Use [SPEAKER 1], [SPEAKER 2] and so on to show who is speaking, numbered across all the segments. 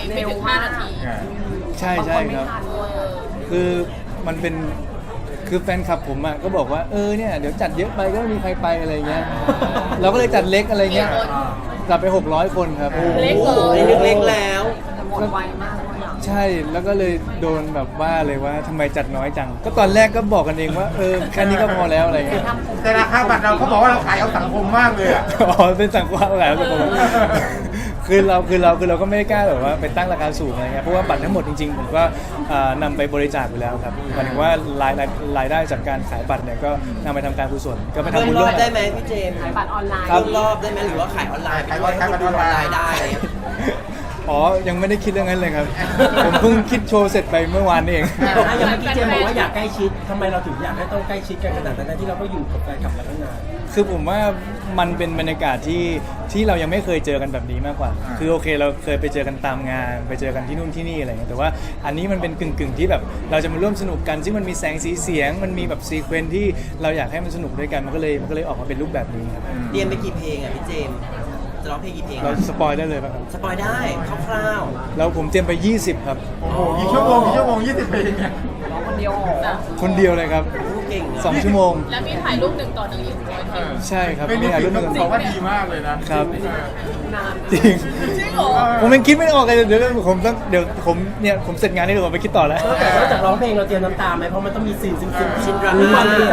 [SPEAKER 1] ไม่ถึง5 นาที
[SPEAKER 2] ใช่ใช่ครับคือมันเป็นคือแฟนคลับผมอ่ะก็บอกว่าเนี่ยเดี๋ยวจัดเยอะไปก็ไม่มีใครไปอะไรเงี้ยเราก็เลยจัดเล็กอะไรเงี้ยจัดไป600 คนครับ
[SPEAKER 1] เล็กเลย
[SPEAKER 3] เล็กๆแล้ว
[SPEAKER 1] หมดไวมากเลยอ่ะ
[SPEAKER 2] ใช่แล้วก็เลยโดนแบบว่าเลยว่าทำไมจัดน้อยจังก็ตอนแรกก็บอกกันเองว่าแค่นี้ก็พอแล้วอะไรเงี้ย
[SPEAKER 4] แต่ราคาบัตรเราเขาบอกว่าเราขายเอาสังคมมากเลยอ่ะ
[SPEAKER 2] อ๋อเป็นสังกัดอะไรสังกัดคือเราก็ไม่ได้กล้าแบบว่าไปตั้งราคาสูงอะไรเงี้ยเพราะว่าบัตรทั้งหมดจริงๆผมก็นำไปบริจาคไปแล้วครับหมายถึงว่ารายได้จากการขายบัตรเนี่ยก็นำไปทำการกุศลก็ไป
[SPEAKER 3] เพิ่
[SPEAKER 2] ทำ
[SPEAKER 3] ม
[SPEAKER 2] บุญ
[SPEAKER 3] ร
[SPEAKER 2] ร่
[SPEAKER 3] อ
[SPEAKER 2] ว
[SPEAKER 3] บ
[SPEAKER 2] ม
[SPEAKER 3] ได้ไหมพี่เจมส์
[SPEAKER 1] ขายบัตรออนไลน์
[SPEAKER 3] เพิ่มรอบได้ไหมหรือว่าขายออนไลน์ขายออนไลน์ได้อะไรอย่างเงี้ย
[SPEAKER 2] อ๋อยังไม่ได้คิดเรื่องนั้นเลยครับ ผมเพิ่งคิดโชว์เสร็จไปเมื่อวานนี่เอง
[SPEAKER 5] อย่างเมื่อกี้เจมบอกว่าอยากใกล้ชิดทำไมเราถึงอยากให้ต้องใกล้ชิดกันขนาดนั้นที่เราก็อยู่กับแฟนคลับมาตั้งนาน
[SPEAKER 2] คือผมว่ามันเป็นบรรยากาศที่เรายังไม่เคยเจอกันแบบนี้มากกว่า คือโอเคเราเคยไปเจอกันตามงานไปเจอกันที่นู่นที่นี่อะไรเงี้ยแต่ว่าอันนี้มันเป็นกึ่งที่แบบเราจะมาร่วมสนุกกันซึ่งมันมีแสงสีเสียงมันมีแบบซีเควนซ์ที่เราอยากให้มันสนุกด้วยกันมันก็เลยออกมาเป็นรูปแบบนี้ครับ
[SPEAKER 3] เตรียมไปกี่เพลงอ่ะพี่เจมส์จะร้องเพลงกี่เพลง
[SPEAKER 2] เราสปอยได้เลยป่ะครับ
[SPEAKER 3] สปอยได้คร่าว
[SPEAKER 2] แล้วผมเตรียมไป 20 ครับ
[SPEAKER 4] โอ้โหกี่ชั่วโมง20 ปีเนี่ย
[SPEAKER 1] ร้องคนเดียวนะ
[SPEAKER 2] คนเดียวเลยครับ
[SPEAKER 3] ๆผู้เก่งอะ
[SPEAKER 2] 2 ชั่วโมง
[SPEAKER 1] แล้วมีถ่ายรูป1 ต่อ 1อีก100 คิว
[SPEAKER 2] ใช่ครับ
[SPEAKER 4] เป็น
[SPEAKER 2] มี
[SPEAKER 4] นิ
[SPEAKER 2] ถ่าย
[SPEAKER 4] สิ
[SPEAKER 2] รู
[SPEAKER 4] ต
[SPEAKER 2] ป
[SPEAKER 4] ต้
[SPEAKER 2] กั
[SPEAKER 4] อน งบอกว่าดีมากเลยนะครับ
[SPEAKER 1] นาน
[SPEAKER 2] จริง
[SPEAKER 1] จริงเหรอ
[SPEAKER 2] ผมยังคิดไม่ออกเลยเดี๋ยวผมเสร็จงานนี้เดี๋ยวผมไปคิดต่อแล้ว
[SPEAKER 5] แต่นอกจากร้องเพลงเราเตรียมน้ำตาไหมเพราะมันต้องมีซีนซึ้งๆ
[SPEAKER 3] ชินดรา
[SPEAKER 5] มีความ
[SPEAKER 3] ม่า
[SPEAKER 5] ในใจ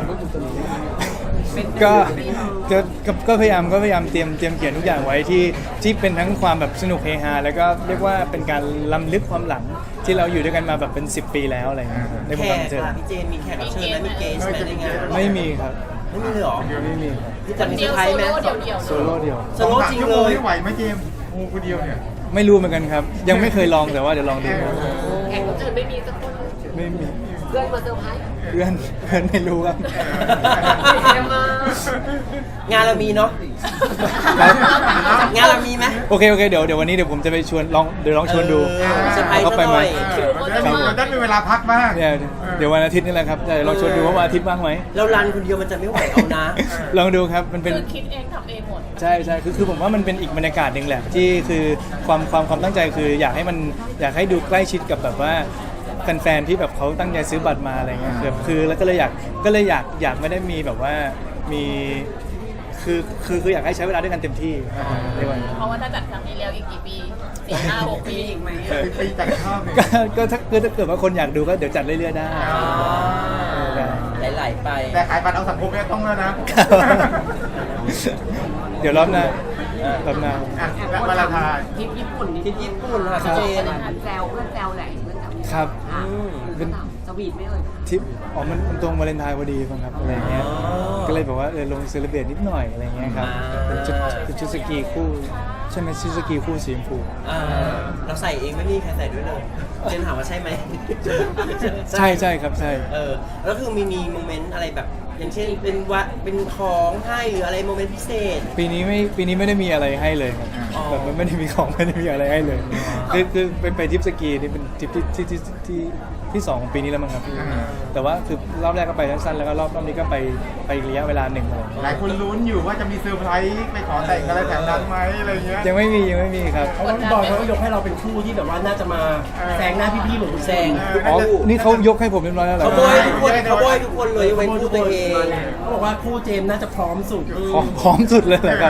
[SPEAKER 2] ก็พยายามเตรียมเขียนทุกอย่างไว้ที่เป็นทั้งความแบบสนุกเฮฮาแล้วก็เรียกว่าเป็นการล้ำลึกความหลังที่เราอยู่ด้วยกันมาแบบเป็น10 ปีแล้วอะไรอย่างเงี้ยในวง
[SPEAKER 3] แข
[SPEAKER 2] การ
[SPEAKER 3] ก
[SPEAKER 2] บันเทิง
[SPEAKER 3] ค่ะพี่เจมส์มีแขกรับเชิญไหมมีเกสไหมในงาน
[SPEAKER 2] ไม่มีครับ
[SPEAKER 3] ไม่มีเลยเหรอ
[SPEAKER 2] ไม่มีครับ
[SPEAKER 3] พี่
[SPEAKER 1] ค
[SPEAKER 3] จะ
[SPEAKER 1] น
[SPEAKER 3] มี
[SPEAKER 1] เดี
[SPEAKER 3] เซอ
[SPEAKER 1] ยว
[SPEAKER 3] ร์ไพร
[SPEAKER 1] โซ
[SPEAKER 3] ส์ไหม
[SPEAKER 1] โล่เดี่ยว
[SPEAKER 2] โซโล่เดียว
[SPEAKER 3] โซโล่จริง
[SPEAKER 4] ชั่ว
[SPEAKER 3] เล
[SPEAKER 4] โมง
[SPEAKER 3] ย
[SPEAKER 4] นี่ไหวไหมเจมส์โอ้คนเดียวเนี่ย
[SPEAKER 2] ไม่รู้เหมือนกันครับ ยังไม่เคยลองแต่ว่าเดี๋ยวลองดู
[SPEAKER 1] แขกรับเชิญไม่มีสักคน
[SPEAKER 2] ไม่มี
[SPEAKER 1] เพื่อนมาเซอร์ไพรส์
[SPEAKER 2] เพื่อนไม่รู้ครับ
[SPEAKER 1] เยี่ยมมาก
[SPEAKER 3] งานเรามีเนาะ
[SPEAKER 2] ครับ
[SPEAKER 3] งานเรามีไหม
[SPEAKER 2] โอเคเดี๋ยววันนี้เดี๋ยวผมจะไปชวนเดี๋ยวลองชวนดู
[SPEAKER 3] เซอร์ไพรส์
[SPEAKER 2] เขาไปไหม
[SPEAKER 3] ซะหน่อย
[SPEAKER 4] มันได้มีเวลาพักบ้าง
[SPEAKER 2] เนี่ยเดี๋ยววันอาทิตย์นี่แหละครับเดี๋ยวลองชวนดูว่าวันอาทิตย์ว่างไหม
[SPEAKER 3] เรารันคนเดียวมันจะไม่ไหวเอานะ
[SPEAKER 2] ลองดูครับมันเป็น
[SPEAKER 1] คือคิดเองทำเองหมด
[SPEAKER 2] ใช่คือผมว่ามันเป็นอีกบรรยากาศหนึ่งแหละที่คือความตั้งใจคืออยากให้ดูใกล้ชิดกับแบบว่าแฟนๆที่แบบเขาตั้งใจซื้อบัตรมาอะไรเงี้ยคือแล้วก็เลยอยากไม่ได้มีแบบว่ามีคืออยากให้ใช้เวลาด้วยกันเต็มที่ในวันนี้
[SPEAKER 1] เพราะว่าถ้าจัดครั้งนี้แล้วอีกกี่ปี4 5 6 ปีอีกไหม
[SPEAKER 4] ไปจัดข้าวเนี่ย
[SPEAKER 2] ก็ถ้าเกิดว่าคนอยากดูก็เดี๋ยวจัดเรื่อยๆได้
[SPEAKER 3] ไหลๆไป
[SPEAKER 4] แต่ขายบัตรเอาสังคมเนี่ยต้องแล้วนะ
[SPEAKER 2] เดี๋ยวรอบหน้า
[SPEAKER 4] อ่ะและวาเลนไทน์
[SPEAKER 1] ทริปญี่ปุ่นนี่
[SPEAKER 3] ที่ญี่ปุ่นค่ะพี่เจมส์
[SPEAKER 1] แซวเพื่อนแซวแหละเพื่อนแซว
[SPEAKER 2] ครับ
[SPEAKER 1] เป็นสวีทไม่เอ่ย
[SPEAKER 2] ทิปมันตรงวาเลนไทน์พอดีมั้งครับอะไรเงี้ยก็เลยแบบว่าลงเซเลบเรตนิดหน่อยอะไรเงี้ยครับเป็นชุดสกีคู่ใช่ไหมชุดสกีคู่สีชมพู
[SPEAKER 3] เราใส่เองไม่มีใครใส่ด้วยเลยเจนถามว่าใช่ไหม
[SPEAKER 2] ใช่ครับใช่
[SPEAKER 3] แล้วคือมีโมเมนต์อะไรแบบอย่างเช่นเป็นของให้หรืออะไรโมเมนต์พิเศษ
[SPEAKER 2] ปีนี้ไม่ได้มีอะไรให้เลยครับ
[SPEAKER 3] อ๋อ
[SPEAKER 2] แบบมันไม่ได้มีของไม่ได้มีอะไรให้เลยคือไปทริปสกีนี่เป็นทริปที่2ของปีนี้แล้วมั้งครับแต่ว่าคือรอบแรกก็ไปสั้นๆแล้วก็รอบนี้ก็ไปอีกระยะเวลาหนึ่งเลย
[SPEAKER 4] หลายคนลุ้นอยู่ว่าจะมีเซอร์ไพรส์ไปขอแต่งอะไรแถวนั้นไหมอะไรเงี้ย
[SPEAKER 2] ยังไม่มีครับ
[SPEAKER 5] เพราะว่าพี่บอยเขาก็ยกให้เราเป็นคู่ที่แบบว่าน่าจะมาแซงหน้าพี่ๆเหมือนคุณ
[SPEAKER 3] แซง
[SPEAKER 2] อ๋อนี่เขายกให้ผมเรียบร้อยแล้วเหรอ
[SPEAKER 3] เขาบอยทุกคนเลยยกเว้นคู่ตัวเอง
[SPEAKER 5] เขาบอกว่าคู่เจมส์น่าจะพร้อมสุด
[SPEAKER 2] พร้อมสุดเลยเหรอครับ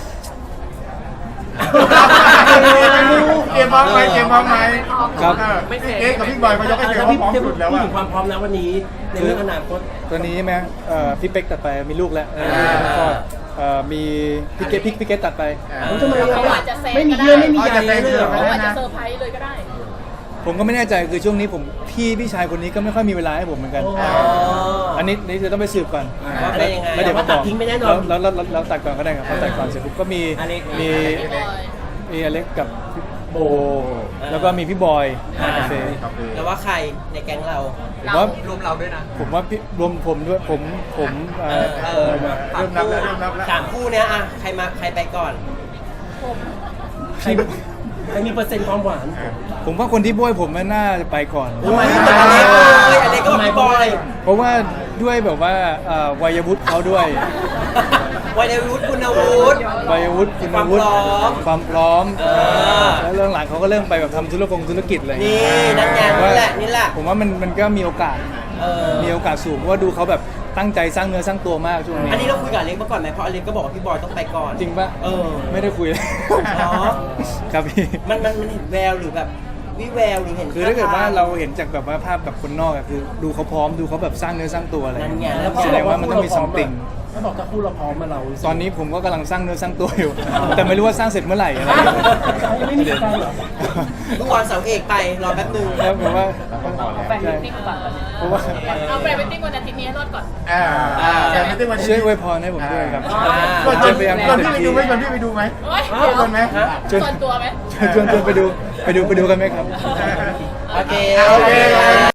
[SPEAKER 4] เกมพร้อมไหม
[SPEAKER 2] ครับ
[SPEAKER 4] เอ๊ะกับพี่บอยเขายกให้เกม
[SPEAKER 5] แล้ว
[SPEAKER 4] ว่า
[SPEAKER 5] พี่
[SPEAKER 4] พร้อมสุดแล้ว
[SPEAKER 5] พูด
[SPEAKER 4] อะ
[SPEAKER 5] ถึงความพร้อมนะวันนี้ในเรื่องอนาคต
[SPEAKER 2] ตัวนี้ใช่ไหมพี่เป๊กตัดไปมีลูกแล้วแล้วก็มีพี่เกตตัดไป
[SPEAKER 5] ทำไม
[SPEAKER 1] เขาอาจจะแซง
[SPEAKER 5] ไม่มี
[SPEAKER 1] ก็ได้
[SPEAKER 5] เยื่อไม่มีใยเลยเหรอ
[SPEAKER 1] เขาอาจจะเซอร์ไพรส์เลยก็ได้
[SPEAKER 2] ผมก็ไม่แน่ใจคือช่วงนี้พี่ชายคนนี้ก็ไม่ค่อยมีเวลาให้ผมเหมือนกัน อันนี้จะต้องไปสืบก่อน
[SPEAKER 3] ว่าเป็นยังไง
[SPEAKER 2] แล้วเดี๋ยวมา
[SPEAKER 5] ตั
[SPEAKER 2] บ
[SPEAKER 5] ด
[SPEAKER 2] อก
[SPEAKER 5] ทิ้งไม่แน่นอน
[SPEAKER 2] แล้วตัดก่อนก็ได้ครับพอตัดก่อนเสร็จปุ๊บก็มี
[SPEAKER 5] อเล็ก
[SPEAKER 2] มีอเล็กกับโบแล้วก็มีพี่บอยโอเค
[SPEAKER 3] แล้วว่าใครในแก๊งเรา
[SPEAKER 2] ผมว่า
[SPEAKER 3] รวมเราด้วยนะ
[SPEAKER 2] ผมว่าพี่รวมผมด้วยผม
[SPEAKER 4] เริ่มนับแล้ว
[SPEAKER 3] สามคู่เนี้ยอะใครไปก่อน
[SPEAKER 5] ใครมีเปอร์เซ็นต์ความหวาน
[SPEAKER 2] ผมว่าคนที่โบยผมน่าจะไปก่อน
[SPEAKER 3] ทำไมไม่เหมือนอเล็กเลยอเล็กก็พี่บอย
[SPEAKER 2] เพราะว่าด้วยแบบว่าวัยวุฒิเขาด้วย
[SPEAKER 3] วัยรุ่นคุณคุณวุฒิ
[SPEAKER 2] วัยวุฒิคุณวุฒิ
[SPEAKER 3] ความพร้อม
[SPEAKER 2] แล้วเรื่องหลังเขาก็เริ่มไปแบบทำธุรกิจอะไรอย่าง
[SPEAKER 3] นี่
[SPEAKER 2] เงี้ย
[SPEAKER 3] นั่นไงนี่แหละนี่แหละ
[SPEAKER 2] ผมว่ามันก็มีโอกาส มีโอกาสสูงเพราะว่าดูเขาแบบตั้งใจสร้างเนื้อสร้างตัวมากช่วงนี้
[SPEAKER 3] อันนี้เราคุยกับอเล็กมาก่อนไหมเพราะอเล็กก็บอกว่าพี่บอยต้องไปก่อน
[SPEAKER 2] จริงปะ ไม่ได้คุยเลย
[SPEAKER 3] อ๋อ
[SPEAKER 2] ครับพี่
[SPEAKER 3] มันเห็นแววหรือแบบวิแววหรือเห็น
[SPEAKER 2] คือถ้าเกิดว่าเราเห็นจากแบบว่าภาพแบบคนนอกอะคือดูเขาพร้อมดูเขาแบบสร้างเนื้อสร้างตัวอะไร
[SPEAKER 3] นั่นไง
[SPEAKER 2] แสดงว่ามันต้องมีซัมติง
[SPEAKER 5] ถ้าบอกถ้าคู่เราพร้อมมาเรารู้สึก
[SPEAKER 2] ตอนนี้ผมก็กำลังสร้างเนื้อสร้างตัวอยู่ แต่ไม่รู้ว่าสร้างเสร็จเมื่อไหร่อะไร
[SPEAKER 5] ยังไม่มีแฟนเหรอ
[SPEAKER 3] เมื่อวานเสาเอกไปรอแป๊บนึง
[SPEAKER 2] แล้วผมว่า
[SPEAKER 1] แฟนมิตติ้งก่อน
[SPEAKER 2] เพราะว่า
[SPEAKER 1] เอาแฟนมิตติ้งวันอาทิตย์นี้ให้รอดก่อน
[SPEAKER 4] แต่ไม่ได้วันนี้
[SPEAKER 2] ช่วยอวยพรให้ผมด้วยครับ
[SPEAKER 4] ชวน
[SPEAKER 2] จะพยายาม
[SPEAKER 4] พี่ไป
[SPEAKER 2] เต็ม
[SPEAKER 4] ดู
[SPEAKER 2] ที่
[SPEAKER 4] ไหมชวนพี่ไปดูไหม
[SPEAKER 1] โอ๊ย
[SPEAKER 4] ชวนไหม
[SPEAKER 1] ส่วนตัวไหม
[SPEAKER 2] ชวนไปดูกันไหมครับ
[SPEAKER 3] โอเค
[SPEAKER 4] โอเค